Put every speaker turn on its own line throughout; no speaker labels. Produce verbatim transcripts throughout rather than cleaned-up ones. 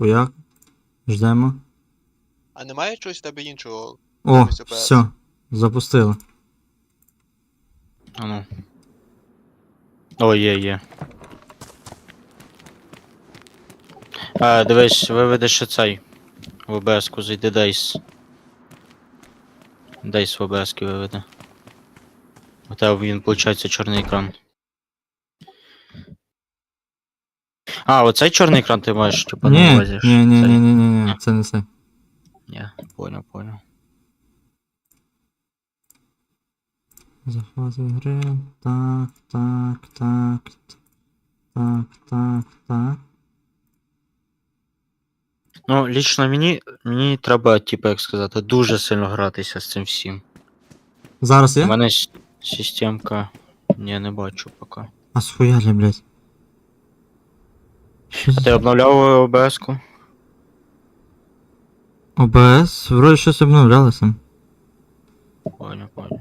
Хуяк. Ждемо.
А немає чогось в тебе іншого?
О,
замість о пе ес?
все. Запустили.
А ну. О, є, є. А, дивись, виведеш оцей. В о бе ес-ку зайди Дейс. Дейс в о бе ес-ки виведе. У тебе він, виходить, чорний екран. А, оцей чорний екран ти маєш, типа, на
Ні,
увазі?
ні, ні,
Цей?
ні, ні, ні, ні, це не це.
Ні, понял, понял.
Захват гри. Так, так, так. Так, так, так.
Ну, лічно мені, мені треба, типу, як сказати, дуже сильно гратися з цим всім.
Зараз
У
є?
мене с- системка. Ні, не бачу поки.
А схуяли, блядь. Що
А ти
за...
обновляв о бе ес-ку?
о бе ес? Вроде щось обновлялося.
Понял, понял.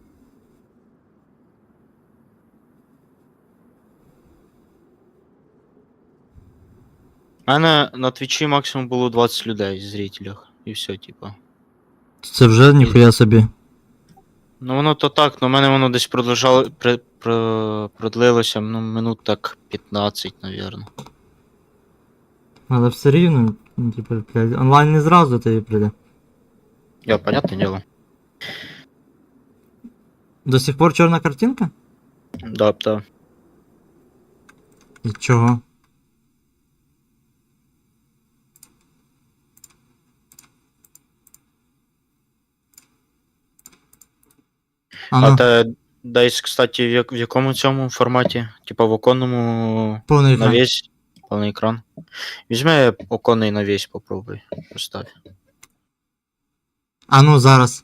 У мене на твічі максимум було двадцять людей, зрителів. І все, типа.
Це вже ніхуя собі.
Ну воно то так, но в мене воно десь продовжало, при, про, продлилося, ну, минут так п'ятнадцять, навірно.
Але все рівно, ну, типу, блядь, онлайн не зразу тобі прийде.
Я, понятне діло.
До сих пор чорна картинка?
Да, да.
І чого? А
А
ну,
те десь, кстати, в, як, в якому цьому форматі? Типа в оконному
повний екран.
навісь, повний екран. Візьми оконний навісь, попробуй. Поставь.
А ну, зараз.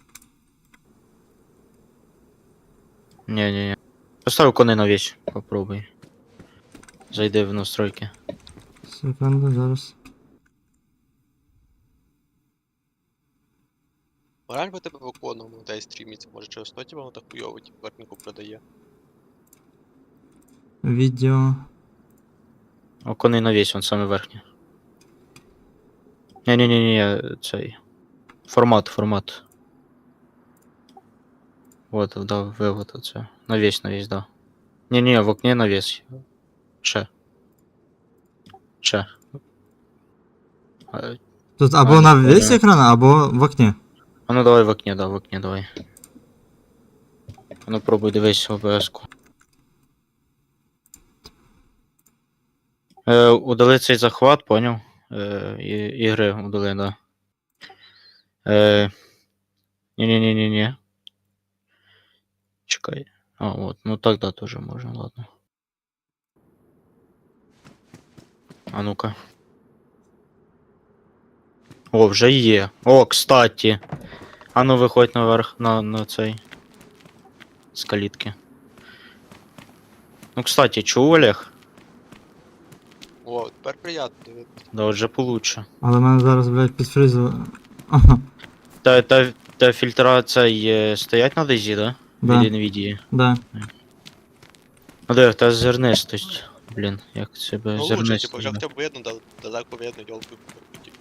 Ні, ні, ні. Поставь оконний навісь, попробуй. Зайди в настройки.
Секунду, зараз.
Реально по тебе в оконному дай стріміться, може через то тебе воно так хуйово, типу, картинку продає.
Відео.
Оконний навісь, он саме верхній. Ні, ні, ні, ні, цей. Формат, формат. Вот, да, вивод оце. Навісь, навісь, да. Ні, ні, в окні навісь. Че. Че. А,
Тут або
А,
на
не
весь
понял.
екран, або в окні.
а ну давай в окне, да, в окне давай. А ну пробуй дивись о бе ес-ку. Е, удали цей захват, поняв? Е, і, ігри удали, да. Е, ні-ні-ні-ні-ні. Чекай. А, вот, ну тогда тоже можно, ладно. А ну-ка. О, вже є. О, кстати. А ну виходь наверх на, на цей. З калітки. Ну, кстати, чув, Олег?
О, тепер приємно дивитися.
Да, вже получше.
Але мене зараз, блядь, підфризило. Ага,
Та, та, та фільтра цей е, стоять на дезі, да?
Да.
Від NVIDIA.
да.
А де, та зернистость. Блін, як себе
Ну лучше,
зернистость.
типу, вже
да.
хоча б видно, дал- далеко видно, йолку. Типу.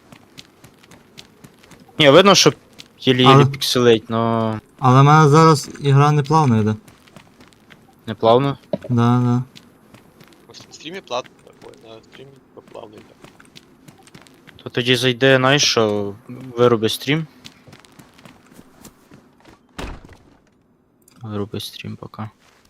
Ні, видно, що єлі-єлі
Але-
пікселить, но
Але в мене зараз ігра не плавно йде.
не плавно.
Да, да.
В стрімі платно такое, на стрімі плавно йде.
То тоді зайде, знаєш що, вироби стрім. Вироби стрім поки.